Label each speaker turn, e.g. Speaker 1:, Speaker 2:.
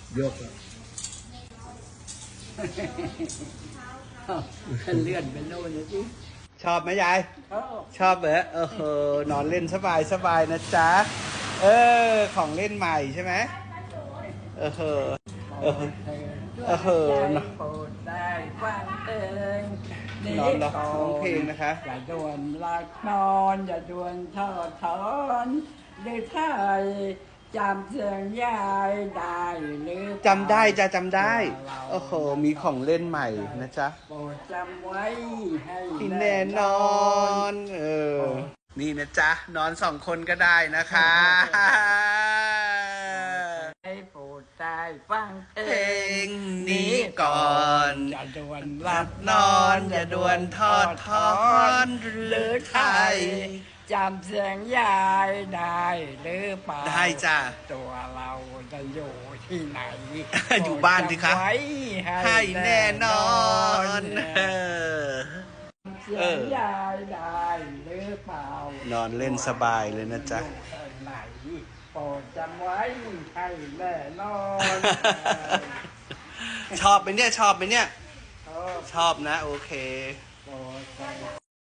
Speaker 1: ยกเลื่อนไปโน่นนะจิชอบไหมยายชอบเหรอนอนเล่นสบายสบายนะจ๊ะของเล่นใหม่ใช่ไหมโปรดได้ฟังเพลงนอนร้องเพลงนะคะอย่าด่วนรักนอนอย่าด่วนทอดถอนหรือไทยจำเสียงยายได้หรือจำได้จะจำได้มีของเล่นใหม่นะจ๊ะโปรดจำไว้ให้แน่นอนนี่นะจ๊ะนอน2 คนก็ได้นะคะให้โปรดได้ฟังเพลงนี้ก่อนอย่าด่วนหลับนอนอย่าด่วนทอดถอนหรือไทยจำเสียงยายได้หรือเปล่าได้จ้ะตัวเราจะอยู่ที่ไหนอยู่บ้านสิคะให้แน่นอนเสียงยายได้หรือเปล่านอนเล่นสบายเลยนะจ๊ะไหนโปรดจำไว้ให้แน่นอนชอบไหมเนี่ยชอบนะโอเค